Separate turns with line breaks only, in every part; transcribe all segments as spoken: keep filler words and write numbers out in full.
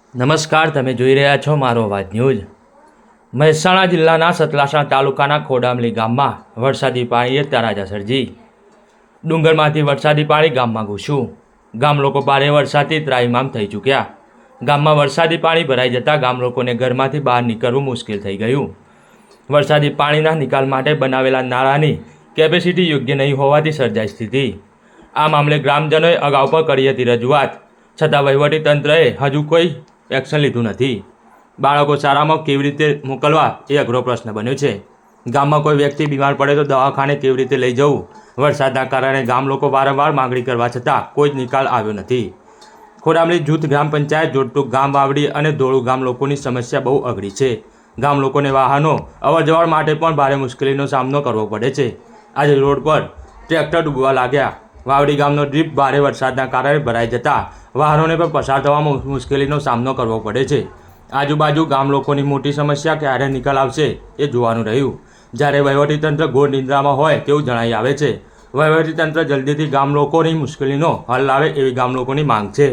નમસ્કાર, તમે જોઈ રહ્યા છો મારો અવાજ ન્યૂઝ। મહેસાણા જિલ્લાના સતલાસણા તાલુકાના ખોડામલી ગામમાં વરસાદી પાણીએ તરાજા સર્જી ડુંગરમાંથી વરસાદી પાણી ગામમાં ઘૂસ્યું। ગામ લોકો ભારે વરસાદથી ત્રાહિમામ થઈ ચૂક્યા। ગામમાં વરસાદી પાણી ભરાઈ જતાં ગામ લોકોને ઘરમાંથી બહાર નીકળવું મુશ્કેલ થઈ ગયું। વરસાદી પાણીના નિકાલ માટે બનાવેલા નાળાની કેપેસિટી યોગ્ય નહીં હોવાથી સર્જાઈ સ્થિતિ। આ મામલે ગ્રામજનોએ અગાઉ પણ કરી હતી રજૂઆત, છતાં વહીવટીતંત્રએ હજુ કોઈ એક્શન લીધું નથી। બાળકો શાળામાં કેવી રીતે મોકલવા એ અઘરો પ્રશ્ન બન્યો છે। ગામમાં કોઈ વ્યક્તિ બીમાર પડે તો દવાખાને કેવી રીતે લઈ જવું, વરસાદના કારણે ગામ લોકો વારંવાર માંગણી કરવા છતાં કોઈ જ નિકાલ આવ્યો નથી। ખોડામલી જૂથ ગ્રામ પંચાયત જોડતું ગામ વાવડી અને ધોળું ગામ લોકોની સમસ્યા બહુ અઘરી છે। ગામ લોકોને વાહનો અવરજવર માટે પણ ભારે મુશ્કેલીનો સામનો કરવો પડે છે। આજે રોડ પર ટ્રેક્ટર ડૂબવા લાગ્યા। વાવડી ગામનો ડ્રીપ ભારે વરસાદના કારણે ભરાઈ જતાં વાહનોને પણ પસાર થવામાં મુશ્કેલીનો સામનો કરવો પડે છે। આજુબાજુ ગામ લોકોની મોટી સમસ્યા ક્યારે નિકાલ આવશે એ જોવાનું રહ્યું। જ્યારે વહીવટીતંત્ર ઘોર નિંદ્રામાં હોય તેવું જણાઈ આવે છે। વહીવટીતંત્ર જલ્દીથી ગામ લોકોની મુશ્કેલીનો હલ લાવે એવી ગામ લોકોની માંગ છે।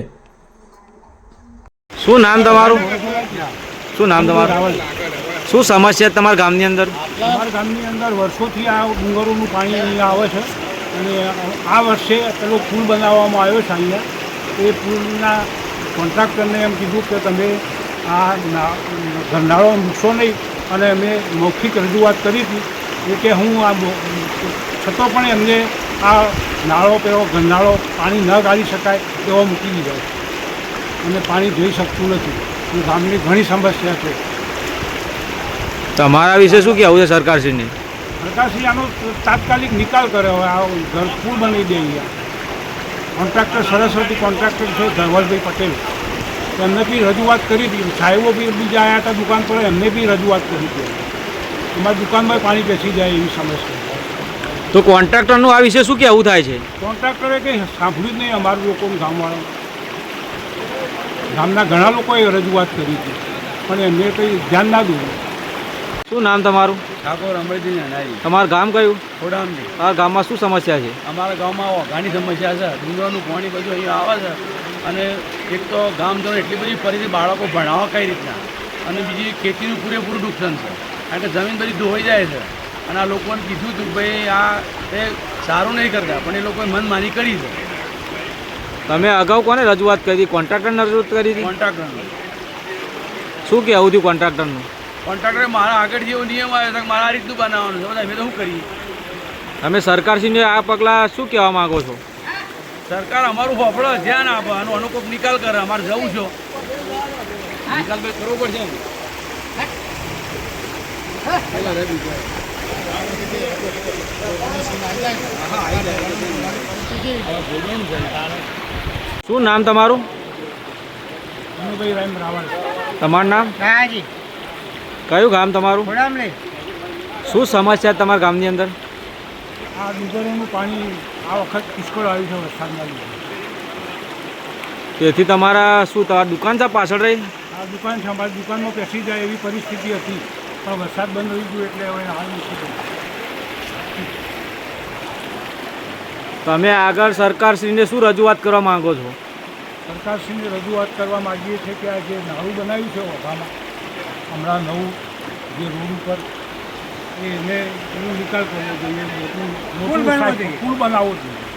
શું નામ તમારું? શું નામ તમારું? શું સમસ્યા તમારા ગામની અંદર?
અમારા ગામની અંદર વર્ષોથી આ ડુંગરોનું પાણી અહીંયા આવે છે અને આ વર્ષે પેલો પુલ બનાવવામાં આવ્યો છે અહીંયા। એ પુલના કોન્ટ્રાક્ટરને એમ કીધું કે તમે આ ગરનાળો મૂકશો નહીં, અને અમે મૌખિક રજૂઆત કરી હતી એ કે હું આ છતાં પણ એમને આ નાળો પેલો ગરનાળો પાણી ન કાઢી શકાય એવો મૂકી દીધો અને પાણી જઈ શકતું નથી। અને ગામની ઘણી સમસ્યા છે।
તમારા વિશે શું કહેવું છે સરકારશ્રીને?
સરકારશ્રી આનો તાત્કાલિક નિકાલ કરે, હવે આ ઘર પુલ બનાવી દે અહીંયા। કોન્ટ્રાક્ટર સરસ્વતી કોન્ટ્રાક્ટર છે ધવલભાઈ પટેલ, એમને બી રજૂઆત કરી હતી। સાહેબો બી બીજા આવ્યા હતા દુકાન પર, એમને બી રજૂઆત કરી હતી। અમારી દુકાનમાં પાણી બેસી જાય એવી સમસ્યા।
તો કોન્ટ્રાક્ટરનું આ વિશે શું કહેવું થાય છે?
કોન્ટ્રાક્ટરે કંઈ સાંભળ્યું જ નહીં અમારું લોકોનું, ગામવાળા ગામના ઘણા લોકોએ રજૂઆત કરી હતી પણ એમને કંઈ ધ્યાન ના દઉં।
શું નામ તમારું?
ઠાકોર અમરજી નાનાજી।
તમારું ગામ કયું?
ખોડામલી।
આ ગામમાં શું સમસ્યા છે?
અમારા ગામમાં ઘણી સમસ્યા છે। ડુંગરનું પાણી બધું અહીંયા આવે છે અને એક તો ગામજનો એટલી બધી પરિસ્થિતિ, બાળકો ભણાવવા કઈ રીતના, અને બીજી ખેતીનું પૂરેપૂરું નુકસાન છે કારણ કે જમીન બધી ધોવાઈ જાય છે। અને આ લોકોને કીધું હતું કે ભાઈ આ એ સારું નહીં કરતા, પણ એ લોકોએ મનમાની કરી છે।
તમે અગાઉ કોને રજૂઆત કરી હતી? કોન્ટ્રાક્ટરને રજૂઆત કરી હતી?
કોન્ટ્રાક્ટરનું
શું કહેવું હતું કોન્ટ્રાક્ટરનું?
કોન્ટ્રાક્ટરે મારા આગળ જેવો નિયમ આવ્યો છે કે મારે આ રીતનું બનાવવાનું છે, બધા અમે તો શું કરીએ?
તમે સરકારશ્રીને આ પગલાં શું કહેવા માગો છો?
સરકાર અમારું હોફળો ધ્યાન આપે, આનો આનો કોઈક નિકાલ કરે। અમારે જવું છે, નિકાલ ભાઈ કરવો પડશે એમ।
શું નામ તમારું?
અનુભાઈ રામ રાવળ।
તમારું નામ?
કાયાજી।
કયું ગામ તમારું?
ખોડામલી।
શું સમસ્યા તમારા ગામની અંદર?
આ ડુંગરોનું પાણી આ વખત પુષ્કળ આવ્યું છે વરસાદના લીધે।
તેથી તમારા શું તમારી દુકાન છે પાછળ રહી?
આ દુકાન છે, અમારી દુકાનમાં પેસી જાય એવી પરિસ્થિતિ હતી પણ વરસાદ બંધ થઈ ગયો એટલે હવે હાલ નથી।
તમે આગળ સરકારશ્રીને શું રજૂઆત કરવા માંગો છો?
સરકારશ્રીને રજૂઆત કરવા માગીએ છીએ કે આ જે નાળું બનાવ્યું છે ઓભામાં હમણાં નવું જે રોડ ઉપર એને એનો નિકાલ કરવો જોઈએ, મોટું મોટું પુલ બનાવવો જોઈએ।